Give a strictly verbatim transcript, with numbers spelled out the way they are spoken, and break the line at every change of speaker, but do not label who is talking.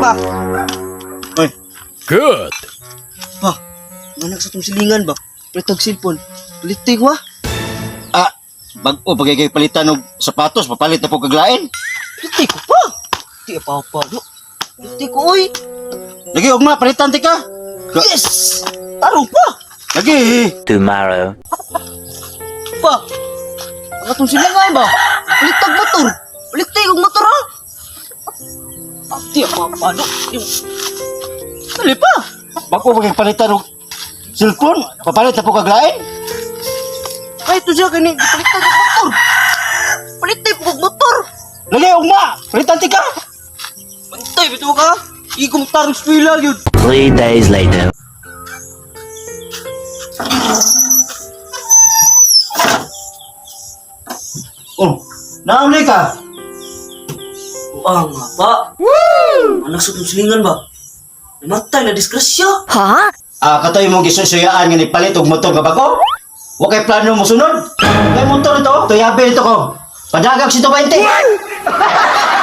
ba?
Oy,
Good.
Ba, anak sa itong silingan ba? Palitag cellphone. Palitig wa?
ah, bag-o pagigay palitan og sapatos, papalit na po kaglain.
Palitig ko pa. Di pa pa, no? Palitig ko, oy.
Lagi ugma palitan ti ka. Ga-
Yes! Tarong pa!
Lagi.
Tomorrow.
Pa! Ang atong silingan ba? Palitag motor. Palitig og motor, ha? Ah, di pa pa, no? Yung... Dali pa!
Bag-o pagigay palitan og cellphone, papalit na po kaglain.
Ay, ito siya kani. Palitig og motor. Palitig og motor.
Lagi ugma, palitan ti ka.
Pantay, bito ka? Igong tarong spila yun.
Three days later.
Oh, nauli ka.
Ah, nga ba? Woo! Anak sa itong silingan ba? Namatay na disgrasya.
Ha?
Ah, katoy mo gisusuyaan nga nipalit og motor nga bago? Wa kay plano mo sunod. Kay motor ito, tuyabe ito ko. Padagag si twenty.